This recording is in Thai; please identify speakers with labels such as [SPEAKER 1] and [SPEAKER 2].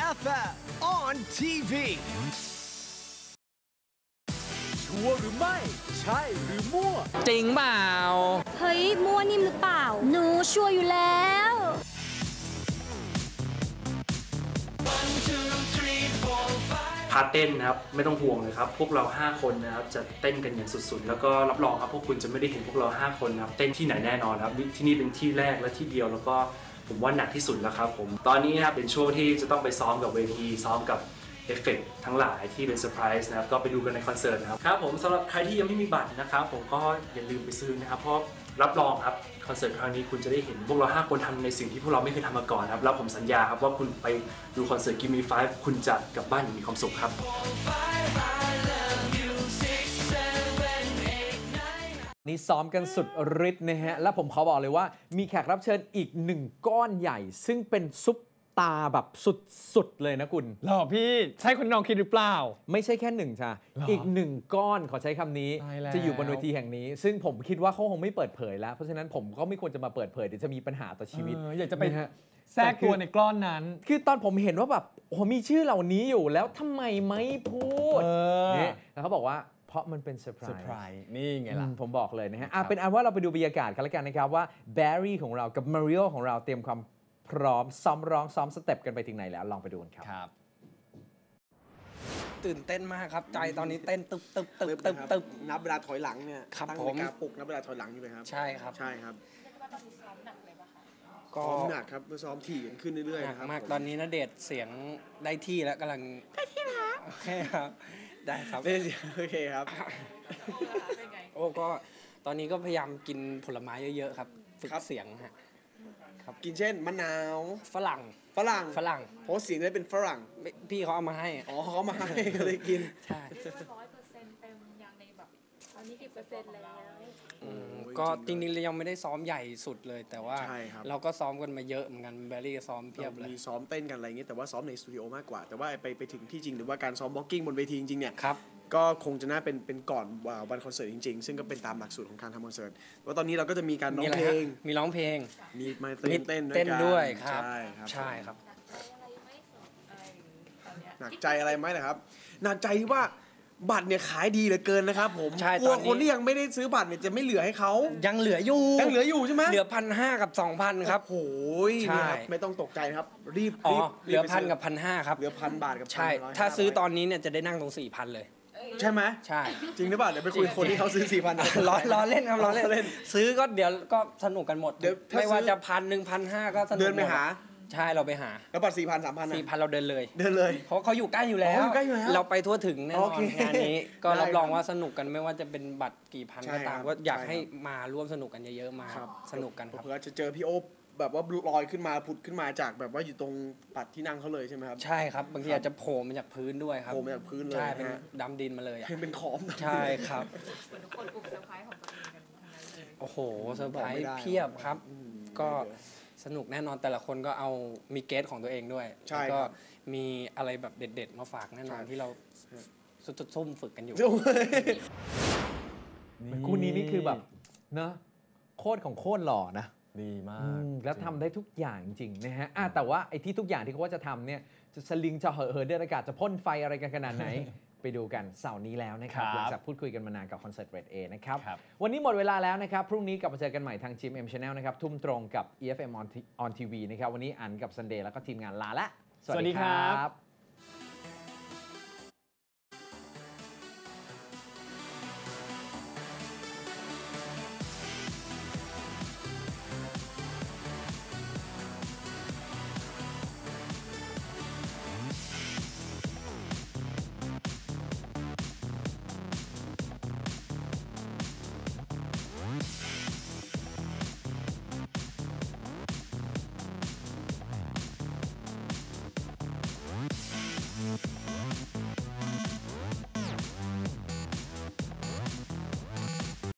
[SPEAKER 1] FM on TV ชัวร์หรือไม่ใช่หรือมั่ว
[SPEAKER 2] จริงเปล่า
[SPEAKER 3] เฮ้ยมั่วนิ่มหรือเปล่าหนูชัวร์อยู่แล้ว
[SPEAKER 4] พาร์ทเต้นนะครับไม่ต้องห่วงเลยครับพวกเรา5คนนะครับจะเต้นกันอย่างสุดๆแล้วก็รับรองครับพวกคุณจะไม่ได้เห็นพวกเรา5คนนะครับเต้นที่ไหนแน่นอนครับที่นี่เป็นที่แรกและที่เดียวแล้วก็ผมว่าหนักที่สุดแล้วครับผมตอนนี้นะครับเป็นช่วงที่จะต้องไปซ้อมกับเวทีซ้อมกับเอฟเฟกต์ทั้งหลายที่เป็นเซอร์ไพรส์นะครับก็ไปดูกันในคอนเสิร์ตนะครับครับผมสำหรับใครที่ยังไม่มีบัตรนะครับผมก็อย่าลืมไปซื้อนะครับเพราะรับรองครับคอนเสิร์ตครั้งนี้คุณจะได้เห็นพวกเรา5คนทำในสิ่งที่พวกเราไม่เคยทำมาก่อนครับแล้วผมสัญญาครับว่าคุณไปดูคอนเสิร์ต Give Me 5คุณจะกลับบ้านอย่างมีความสุขครับ
[SPEAKER 5] นี่ซ้อมกันสุดฤทธิ์นะฮะและผมขอบอกเลยว่ามีแขกรับเชิญอีก1ก้อนใหญ่ซึ่งเป็นซุปตาแบบสุดๆเลยนะคุณ
[SPEAKER 6] หรอพี่ใช่คุณน้องคิดหรือเปล่า
[SPEAKER 5] ไม่ใช่แค่1จ้ะอีก1ก้อนขอใช้คำนี้จะอยู่บนเวทีแห่งนี้ซึ่งผมคิดว่าเขาคงไม่เปิดเผยแล้วเพราะฉะนั้นผมก็ไม่ควรจะมาเปิดเผยเดี๋ยวจะมีปัญหาต่อชีวิต
[SPEAKER 6] อยากจะไปแทรกตัวในก้อนนั้น
[SPEAKER 5] คือตอนผมเห็นว่าแบบโอ้มีชื่อเหล่านี้อยู่แล้วทำไมไม่พูดเนี่ยแล้วเขาบอกว่าเพราะมันเป็นเซอร์ไพรส์
[SPEAKER 6] นี่ไงล่ะ
[SPEAKER 5] ผมบอกเลยนะฮะเป็นอันว่าเราไปดูบรรยากาศกันแล้วกันนะครับว่าแบร์รี่ของเรากับมาริโอของเราเตรียมความพร้อมซ้อมร้องซ้อมสเต็ปกันไปถึงไหนแล้วลองไปดูกันครับ
[SPEAKER 2] ตื่นเต้นมากครับใจตอนนี้เต้นตึบ
[SPEAKER 7] นับเวลาถอยหลังเนี่ย
[SPEAKER 2] ครับ
[SPEAKER 7] ตั้งนาฬิกาปลุกนับเวลาถอยหลังอยู่ไหมครับ
[SPEAKER 2] ใช่ครับ
[SPEAKER 7] ใช่ครับก็ซ้อมหนักครับซ้อมถี่ขึ้นเรื่อยๆนะครับ
[SPEAKER 2] มากตอนนี้ณเดชน์เสียงได้ที่แล้วกำลังได้ที่แล้วโอเคครับได้ครับ
[SPEAKER 7] โอเคครับ
[SPEAKER 2] โอ้ก็ตอนนี้ก็พยายามกินผลไม้เยอะๆครับฝึกเสียงฮะ
[SPEAKER 7] กินเช่นมะนาว
[SPEAKER 2] ฝรั่ง
[SPEAKER 7] เพราะเสียงได้เป็นฝรั่ง
[SPEAKER 2] พี่เขาเอามาให้
[SPEAKER 7] อ๋อเขามาให้ก็เลยกิน
[SPEAKER 2] ใช่
[SPEAKER 3] 100%เต็มอย่างในแบบตอนนี้กี่เปอร์เซ็นต์แล้ว
[SPEAKER 2] ก็จริงๆเรายังไม่ได้ซ้อมใหญ่สุดเลยแต่ว่าเราก็ซ้อมกันมาเยอะเหมือนกันแบรี่ก็ซ้อมเพียบเลย
[SPEAKER 7] มีซ้อมเต้นกันอะไรอย่างเงี้ยแต่ว่าซ้อมในสตูดิโอมากกว่าแต่ว่าไปถึงที่จริงหรือว่าการซ้อมบล็อกกิ้งบนเวทีจริงๆเนี่ยก็คงจะน่าเป็นก่อนวันคอนเสิร์ตจริงๆซึ่งก็เป็นตามหลักสูตรของการทำคอนเสิร์ตว่าตอนนี้เราก็จะมีการร้องเพลง
[SPEAKER 2] มีร้องเพลง
[SPEAKER 7] มีมาเ
[SPEAKER 2] ต้นด้วยครับ
[SPEAKER 7] ใช่ครับ
[SPEAKER 3] หนั
[SPEAKER 7] กใจอะไรไหมนะครับหนักใจว่าบัตรเนี่ยขายดีเหลือเกินนะครับผม
[SPEAKER 2] กลัว
[SPEAKER 7] คนที่ยังไม่ได้ซื้อบัตรเนี่ยจะไม่เหลือให้เขา
[SPEAKER 2] ยังเหลืออยู่
[SPEAKER 7] ใช่ไหม
[SPEAKER 2] เหลือ 1,500 กับ 2,000 ครับ
[SPEAKER 7] โอ้ยไม่ต้องตกใจครับรีบ
[SPEAKER 2] เหลือ 1,000 กับ 1,500 ครับ
[SPEAKER 7] เหลือ 1,000 บาทกับ
[SPEAKER 2] ใช่ถ้าซื้อตอนนี้เนี่ยจะได้นั่งตรง 4,000 เลย
[SPEAKER 7] ใช่ไหม
[SPEAKER 2] ใช่
[SPEAKER 7] จริงหรือเปล่าเดี๋ยวไปคุยคนที่เขาซื้อ 4,000
[SPEAKER 2] ล้อเล่นครับล้อเล่นซื้อก็เดี๋ยวก็สนุกกันหมดไม่ว่าจะ 1,000 1,500 ก็สนุก
[SPEAKER 7] เดินไปหา
[SPEAKER 2] ใช่เราไปหา
[SPEAKER 7] แล้วบัตร 4,000 3,000
[SPEAKER 2] 4,000 เราเดินเลยเพราะเขาอยู่ใกล้อยู่แล้วเราไปทั่วถึงแน่นอนงานนี้ก็รับรองว่าสนุกกันไม่ว่าจะเป็นบัตรกี่พันก็ตามก็อยากให้มาร่วมสนุกกันเยอะๆมาสนุกกันครับ
[SPEAKER 7] เพื่อจะเจอพี่โอ๊บแบบว่าลอยขึ้นมาผุดขึ้นมาจากแบบว่าอยู่ตรงปัดที่นั่งเขาเลยใช่ไหมครับ
[SPEAKER 2] ใช่ครับบางทีอาจจะโผล่มาจากพื้นด้วยครับ
[SPEAKER 7] โผล่มาจากพื้นเลย
[SPEAKER 2] ใช่เป็นดำดินมาเลย
[SPEAKER 7] เป็นขอม
[SPEAKER 2] ใช่ครับ
[SPEAKER 3] เหมือนทุกคนปลุกเซอร์ไพรส์ของตัวเองกันทั้งนั้นเลย
[SPEAKER 2] โอ้โหเซอร์ไพรส์เพียบครับก็สนุกแน่นอนแต่ละคนก็เอามีเกสของตัวเองด้วยแล้วก็มีอะไรแบบเด็ดๆมาฝากแน่นอนที่เราซุ่มฝึกกันอยู่
[SPEAKER 5] คู่นี้นี่คือแบบเนอะโคตรของโคตรหล่อนะ
[SPEAKER 6] ดีมาก
[SPEAKER 5] แล้วทำได้ทุกอย่างจริงนะฮะแต่ว่าไอ้ที่ทุกอย่างที่เขาว่าจะทำเนี่ยจะสลิงจะเหินเดินอากาศจะพ่นไฟอะไรกันขนาดไหน ไปดูกันเสาร์นี้แล้วนะครับหลังจากพูดคุยกันมานานกับคอนเสิร์ต Red A นะครับวันนี้หมดเวลาแล้วนะครับพรุ่งนี้กลับมาเจอกันใหม่ทาง GMM Channel นะครับทุ่มตรงกับ EFM on TV นะครับวันนี้อันกับ Sunday แล้วก็ทีมงานลาละ
[SPEAKER 6] สวัสดีครับ